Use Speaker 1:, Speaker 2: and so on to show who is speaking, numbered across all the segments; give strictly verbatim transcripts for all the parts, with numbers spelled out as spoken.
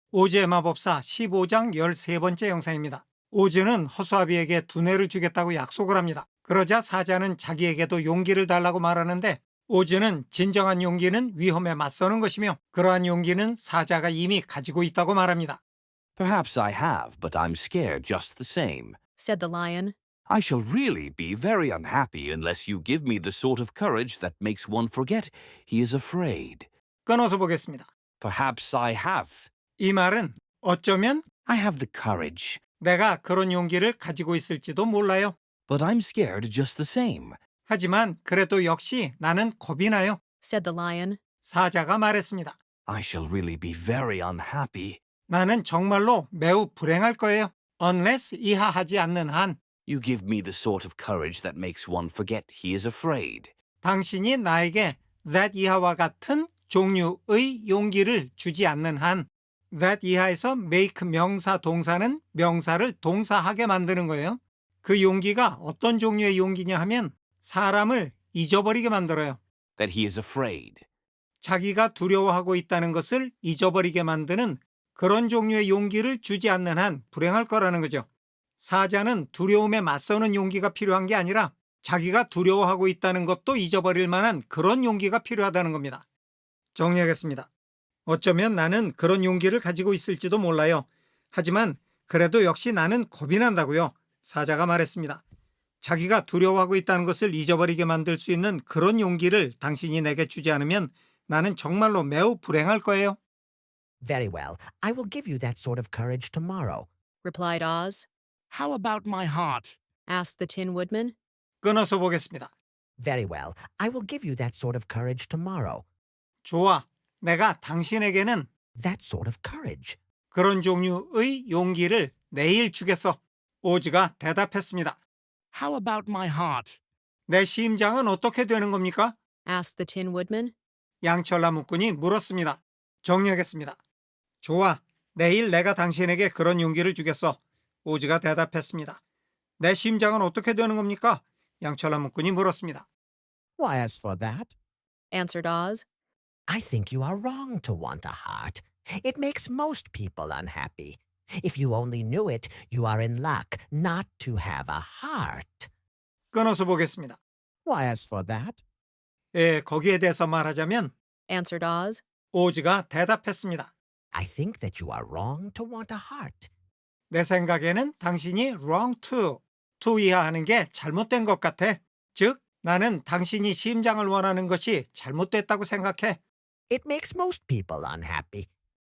Speaker 1: 오즈의 마법사 십오 장 십삼 번째 영상입니다. 오즈는 허수아비에게 두뇌를 주겠다고 약속을 합니다. 그러자 사자는 자기에게도 용기를 달라고 말하는데 오즈는 진정한 용기는 위험에 맞서는 것이며 그러한 용기는 사자가 이미 가지고 있다고 말합니다.
Speaker 2: Perhaps I have, but I'm scared just the same.
Speaker 3: said the lion.
Speaker 2: I shall really be very unhappy unless you give me the sort of courage that makes one forget he is afraid.
Speaker 1: 끊어서 보겠습니다.
Speaker 2: Perhaps I have.
Speaker 1: 이 말은 어쩌면
Speaker 2: I have the courage,
Speaker 1: 내가 그런 용기를 가지고 있을지도 몰라요.
Speaker 2: but I'm scared just the same.
Speaker 1: 하지만 그래도 역시 나는 겁이 나요.
Speaker 3: said the lion.
Speaker 1: 사자가 말했습니다.
Speaker 2: I shall really be very unhappy.
Speaker 1: 나는 정말로 매우 불행할 거예요. unless 이하하지 않는 한
Speaker 2: You give me the sort of courage that makes one forget he is afraid.
Speaker 1: 당신이 나에게 that 이하와 같은 종류의 용기를 주지 않는 한 that 이하에서 make 명사 동사는 명사를 동사하게 만드는 거예요. 그 용기가 어떤 종류의 용기냐 하면 사람을 잊어버리게 만들어요.
Speaker 2: That he is afraid.
Speaker 1: 자기가 두려워하고 있다는 것을 잊어버리게 만드는 그런 종류의 용기를 주지 않는 한 불행할 거라는 거죠. 사자는 두려움에 맞서는 용기가 필요한 게 아니라 자기가 두려워하고 있다는 것도 잊어버릴 만한 그런 용기가 필요하다는 겁니다. 정리하겠습니다. 어쩌면 나는 그런 용기를 가지고 있을지도 몰라요. 하지만 그래도 역시 나는 겁이 난다고요. 사자가 말했습니다. 자기가 두려워하고 있다는 것을 잊어버리게 만들 수 있는 그런 용기를 당신이 내게 주지 않으면 나는 정말로 매우 불행할 거예요.
Speaker 4: Very well. I will give you that sort of courage tomorrow.
Speaker 3: replied Oz.
Speaker 5: How about my heart?
Speaker 3: asked the Tin Woodman.
Speaker 1: 끊어서 보겠습니다.
Speaker 4: Very well. I will give you that sort of courage tomorrow.
Speaker 1: 좋아. 내가 당신에게는
Speaker 4: That sort of courage.
Speaker 1: 그런 종류의 용기를 내일 주겠어. 오즈가 대답했습니다.
Speaker 5: How about my heart?
Speaker 1: 내 심장은 어떻게 되는 겁니까?
Speaker 3: asked the Tin Woodman.
Speaker 1: 양철나무꾼이 물었습니다. 정리하겠습니다. 좋아. 내일 내가 당신에게 그런 용기를 주겠어. 오즈가 대답했습니다. 내 심장은 어떻게 되는 겁니까? 양철나무꾼이 물었습니다.
Speaker 4: Why, as for that,
Speaker 3: answered Oz.
Speaker 4: I think you are wrong to want a heart. It makes most people unhappy. If you only knew it, you are in luck not to have a heart.
Speaker 1: 끊어서 보겠습니다.
Speaker 4: Why, as for that,
Speaker 1: 예, 거기에 대해서 말하자면
Speaker 3: answered Oz.
Speaker 1: 오즈가 대답했습니다.
Speaker 4: I think that you are wrong to want a heart.
Speaker 1: 내 생각에는 당신이 wrong to, to 이하하는 게 잘못된 것 같아. 즉, 나는 당신이 심장을 원하는 것이 잘못됐다고 생각해.
Speaker 4: It makes most people unhappy.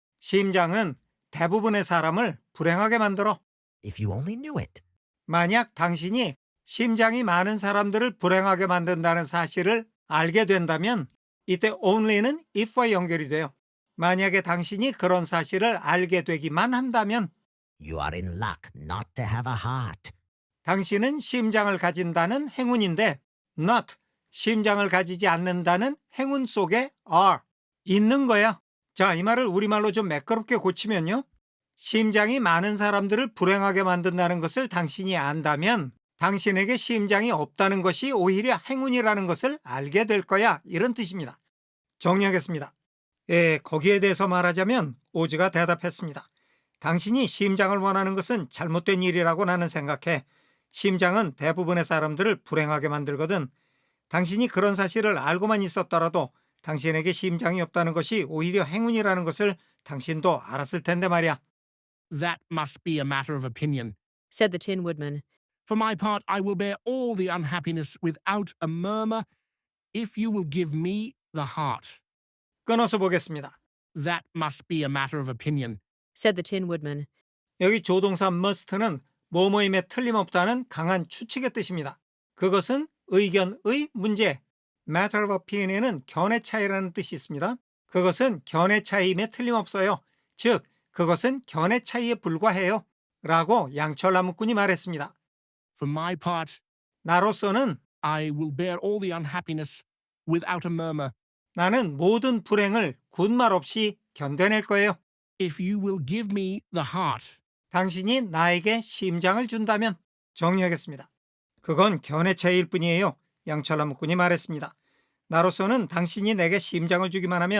Speaker 1: 심장은 대부분의 사람을 불행하게 만들어.
Speaker 4: If you only knew it.
Speaker 1: 만약 당신이 심장이 많은 사람들을 불행하게 만든다는 사실을 알게 된다면 이때 only는 if와 연결이 돼요. 만약에 당신이 그런 사실을 알게 되기만 한다면
Speaker 4: You are in luck not to have a heart.
Speaker 1: 당신은 심장을 가진다는 행운인데 not, 심장을 가지지 않는다는 행운 속에 are, 있는 거야. 자, 이 말을 우리말로 좀 매끄럽게 고치면요. 심장이 많은 사람들을 불행하게 만든다는 것을 당신이 안다면 당신에게 심장이 없다는 것이 오히려 행운이라는 것을 알게 될 거야. 이런 뜻입니다. 정리하겠습니다. 예, 거기에 대해서 말하자면 오즈가 대답했습니다. 당신이 심장을 원하는 것은 잘못된 일이라고 나는 생각해. 심장은 대부분의 사람들을 불행하게 만들거든. 당신이 그런 사실을 알고만 있었더라도 당신에게 심장이 없다는 것이 오히려 행운이라는 것을 당신도 알았을 텐데 말이야.
Speaker 5: That must be a matter of opinion.
Speaker 3: said the Tin Woodman.
Speaker 5: For my part, I will bear all the unhappiness without a murmur if you will give me the heart.
Speaker 1: 끊어서 보겠습니다.
Speaker 5: That must be a matter of opinion.
Speaker 3: said the Tin Woodman.
Speaker 1: 여기 조동사 must는 뭐뭐임에 틀림없다는 강한 추측의 뜻입니다. 그것은 의견의 문제, matter of opinion에는 견해 차이라는 뜻이 있습니다. 그것은 견해 차이임에 틀림없어요. 즉, 그것은 견해 차이에 불과해요. 라고 양철나무꾼이 말했습니다.
Speaker 5: For my part,
Speaker 1: 나로서는
Speaker 5: I will bear all the unhappiness without a murmur
Speaker 1: 나는 모든 불행을 군말 없이 견뎌낼 거예요.
Speaker 5: if you will give me the heart.
Speaker 1: 당신이 나에게 심장을 준다면. 정리하겠습니다. 그건 견해 차이일 뿐이에요. 양철나무꾼이 말했습니다. 나로서는 당신이 내게 심장을 주기만 하면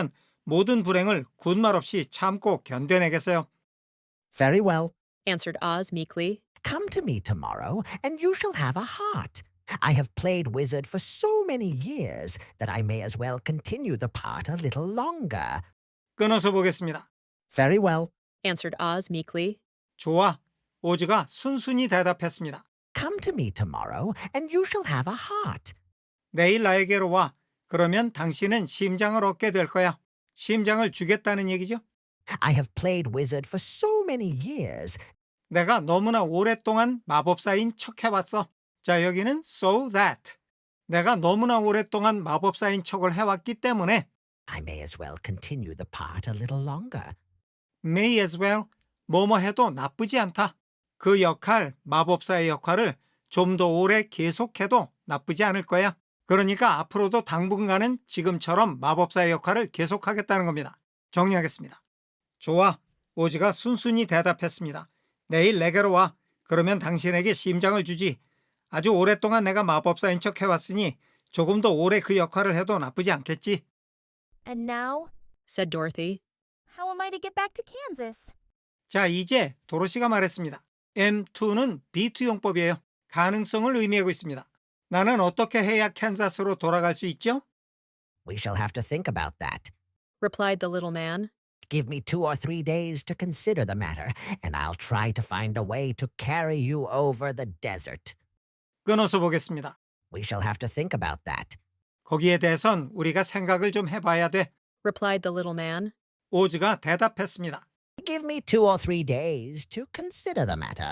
Speaker 1: 모든 불행을 군말 없이 참고 견뎌내겠어요.
Speaker 4: Very well.
Speaker 3: answered Oz meekly.
Speaker 4: Come to me tomorrow, and you shall have a heart. I have played wizard for so many years that I may as well continue the part a little longer.
Speaker 1: 끊어서 보겠습니다.
Speaker 4: Very well.
Speaker 3: answered Oz meekly.
Speaker 1: 좋아. 오즈가 순순히 대답했습니다.
Speaker 4: Come to me tomorrow, and you shall have a heart.
Speaker 1: 내일 나에게로 와. 그러면 당신은 심장을 얻게 될 거야. 심장을 주겠다는 얘기죠.
Speaker 4: I have played wizard for so many years.
Speaker 1: 내가 너무나 오랫동안 마법사인 척 해왔어. 자, 여기는 so that. 내가 너무나 오랫동안 마법사인 척을 해왔기 때문에
Speaker 4: I may as well continue the part a little longer.
Speaker 1: may as well, 뭐뭐 해도 나쁘지 않다. 그 역할, 마법사의 역할을 좀 더 오래 계속해도 나쁘지 않을 거야. 그러니까 앞으로도 당분간은 지금처럼 마법사의 역할을 계속하겠다는 겁니다. 정리하겠습니다. 좋아. 오즈가 순순히 대답했습니다. 내일 내게로 와. 그러면 당신에게 심장을 주지. 아주 오랫동안 내가 마법사인 척 해왔으니 조금 더 오래 그 역할을 해도 나쁘지 않겠지.
Speaker 6: And now,
Speaker 3: said Dorothy.
Speaker 6: how am I to get back to Kansas?
Speaker 1: 자, 이제 도로시가 말했습니다. 엠 투는 비 투 용법이에요. 가능성을 의미하고 있습니다. 나는 어떻게 해야 캔자스로 돌아갈 수 있죠?
Speaker 4: We shall have to think about that.
Speaker 3: replied the little man.
Speaker 4: Give me two or three days to consider the matter, and I'll try to find a way to carry you over the desert.
Speaker 1: 끊어서 보겠습니다.
Speaker 4: We shall have to think about that.
Speaker 1: 거기에 대해선 우리가 생각을 좀 해봐야 돼.
Speaker 3: replied the little man.
Speaker 1: 오즈가 대답했습니다.
Speaker 4: Give me two or three days to consider the matter.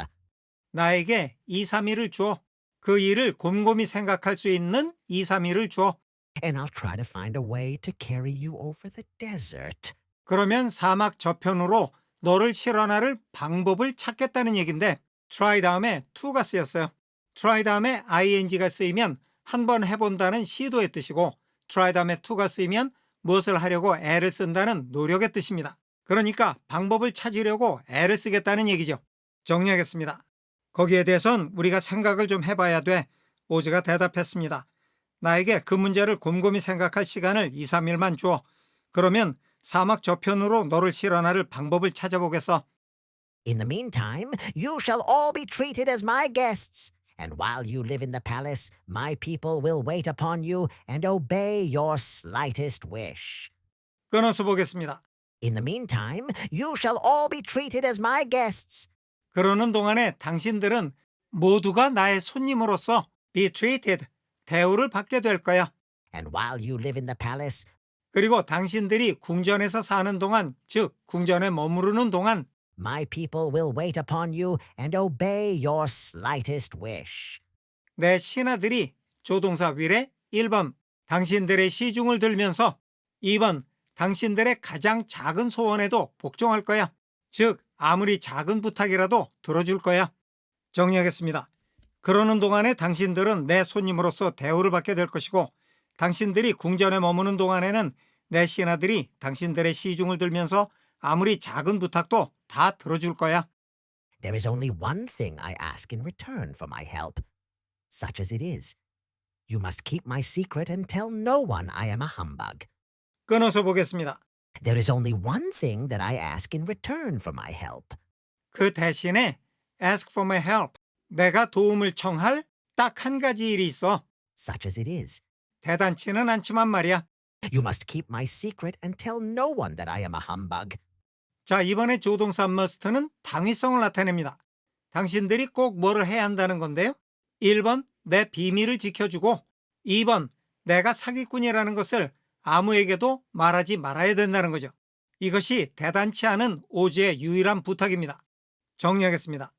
Speaker 1: 나에게 이, 삼 일을 주어. 그 일을 곰곰이 생각할 수 있는 이, 삼 일을 주어.
Speaker 4: And I'll try to find a way to carry you over the desert.
Speaker 1: 그러면 사막 저편으로 너를 실어나를 방법을 찾겠다는 얘긴데 try 다음에 to가 쓰였어요. try 다음에 ing가 쓰이면 한번 해본다는 시도의 뜻이고 try 다음에 to가 쓰이면 무엇을 하려고 애를 쓴다는 노력의 뜻입니다. 그러니까 방법을 찾으려고 애를 쓰겠다는 얘기죠. 정리하겠습니다. 거기에 대해선 우리가 생각을 좀 해봐야 돼. 오즈가 대답했습니다. 나에게 그 문제를 곰곰이 생각할 시간을 이, 삼 일만 줘. 그러면 사막 저편으로 너를 실어나를 방법을 찾아보겠어.
Speaker 4: In the meantime, you shall all be treated as my guests. And while you live in the palace, my people will wait upon you and obey your slightest wish.
Speaker 1: 끊어서 보겠습니다.
Speaker 4: In the meantime, you shall all be treated as my guests.
Speaker 1: 그러는 동안에 당신들은 모두가 나의 손님으로서 be treated, 대우를 받게 될 거야.
Speaker 4: And while you live in the palace,
Speaker 1: 그리고 당신들이 궁전에서 사는 동안, 즉 궁전에 머무르는 동안
Speaker 4: my people will wait upon you and obey your slightest wish.
Speaker 1: 내 신하들이 조동사 will에 일 번 당신들의 시중을 들면서 이 번 당신들의 가장 작은 소원에도 복종할 거야. 즉 아무리 작은 부탁이라도 들어줄 거야. 정리하겠습니다. 그러는 동안에 당신들은 내 손님으로서 대우를 받게 될 것이고 당신들이 궁전에 머무는 동안에는 내 신하들이 당신들의 시중을 들면서 아무리 작은 부탁도 다 들어줄 거야.
Speaker 4: There is only one thing I ask in return for my help, such as it is. You must keep my secret and tell no one I am a humbug.
Speaker 1: 끊어서 보겠습니다.
Speaker 4: There is only one thing that I ask in return for my help.
Speaker 1: 그 대신에 ask for my help, 내가 도움을 청할 딱 한 가지 일이 있어.
Speaker 4: Such as it is.
Speaker 1: 대단치는 않지만 말이야.
Speaker 4: You must keep my secret and tell no one that I am a humbug.
Speaker 1: 자, 이번에 조동사 must는 당위성을 나타냅니다. 당신들이 꼭 뭐를 해야 한다는 건데요. 일 번, 내 비밀을 지켜주고 이 번, 내가 사기꾼이라는 것을 아무에게도 말하지 말아야 된다는 거죠. 이것이 대단치 않은 오즈의 유일한 부탁입니다. 정리하겠습니다.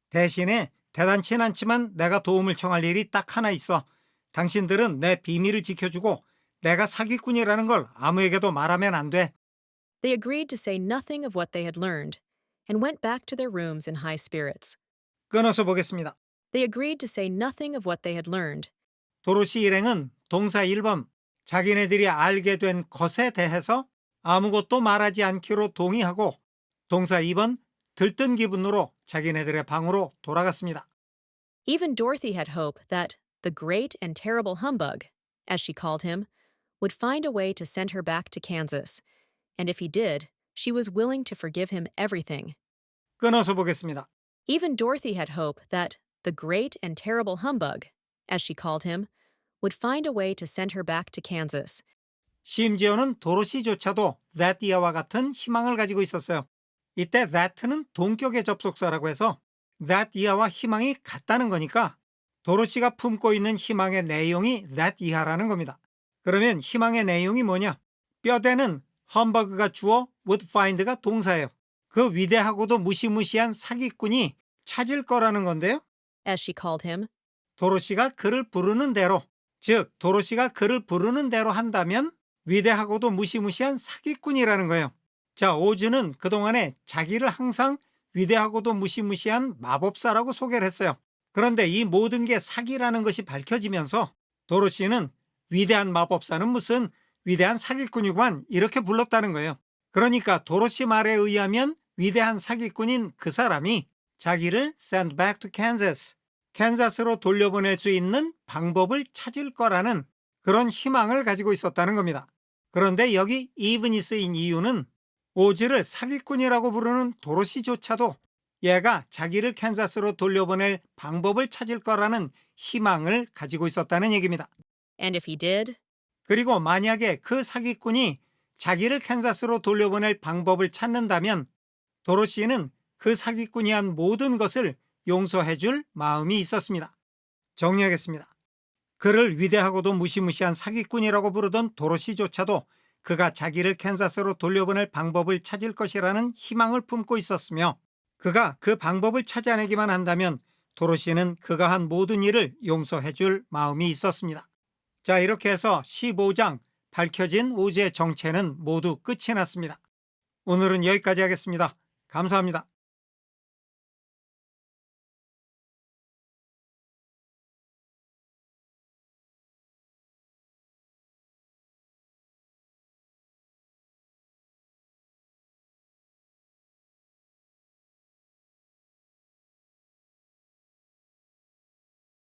Speaker 1: 대신에 대단치는 않지만 내가 도움을 청할 일이 딱 하나 있어. 당신들은 내 비밀을 지켜주고 내가 사기꾼이라는 걸 아무에게도 말하면 안 돼.
Speaker 3: They agreed to say nothing of what they had learned and went back to their rooms in high spirits.
Speaker 1: 끊어서 보겠습니다.
Speaker 3: They agreed to say nothing of what they had learned.
Speaker 1: 도로시 일행은 동사 일 번, 자기네들이 알게 된 것에 대해서 아무것도 말하지 않기로 동의하고 동사 이 번, 들뜬 기분으로 자기네들의 방으로 돌아갔습니다.
Speaker 3: Even Dorothy had hope that the great and terrible humbug, as she called him, would find a way to send her back to Kansas, And if he did, she was willing to forgive him everything.
Speaker 1: 끊어서 보겠습니다.
Speaker 3: Even Dorothy had hope that the great and terrible humbug, as she called him, would find a way to send her back to Kansas.
Speaker 1: 심지어는 도로시조차도 that year와 같은 희망을 가지고 있었어요. 이때 that는 동격의 접속사라고 해서 that year와 희망이 같다는 거니까 도로시가 품고 있는 희망의 내용이 that year라는 겁니다. 그러면 희망의 내용이 뭐냐? 뼈대는 험버그가 주어 would find가 동사예요. 그 위대하고도 무시무시한 사기꾼이 찾을 거라는 건데요.
Speaker 3: As she called him,
Speaker 1: 도로시가 그를 부르는 대로, 즉 도로시가 그를 부르는 대로 한다면 위대하고도 무시무시한 사기꾼이라는 거예요. 자, 오즈는 그동안에 자기를 항상 위대하고도 무시무시한 마법사라고 소개를 했어요. 그런데 이 모든 게 사기라는 것이 밝혀지면서 도로시는 위대한 마법사는 무슨 위대한 사기꾼이구만 이렇게 불렀다는 거예요. 그러니까 도로시 말에 의하면 위대한 사기꾼인 그 사람이 자기를 send back to Kansas, 캔자스로 돌려보낼 수 있는 방법을 찾을 거라는 그런 희망을 가지고 있었다는 겁니다. 그런데 여기 even이 쓰인 이유는 오즈를 사기꾼이라고 부르는 도로시조차도 얘가 자기를 캔자스로 돌려보낼 방법을 찾을 거라는 희망을 가지고 있었다는 얘기입니다.
Speaker 3: and if he did,
Speaker 1: 그리고 만약에 그 사기꾼이 자기를 캔자스로 돌려보낼 방법을 찾는다면 도로시는 그 사기꾼이 한 모든 것을 용서해 줄 마음이 있었습니다. 정리하겠습니다. 그를 위대하고도 무시무시한 사기꾼이라고 부르던 도로시조차도 그가 자기를 캔자스로 돌려보낼 방법을 찾을 것이라는 희망을 품고 있었으며 그가 그 방법을 찾아내기만 한다면 도로시는 그가 한 모든 일을 용서해 줄 마음이 있었습니다. 자, 이렇게 해서 십오 장 밝혀진 오즈의 정체는 모두 끝이 났습니다. 오늘은 여기까지 하겠습니다. 감사합니다.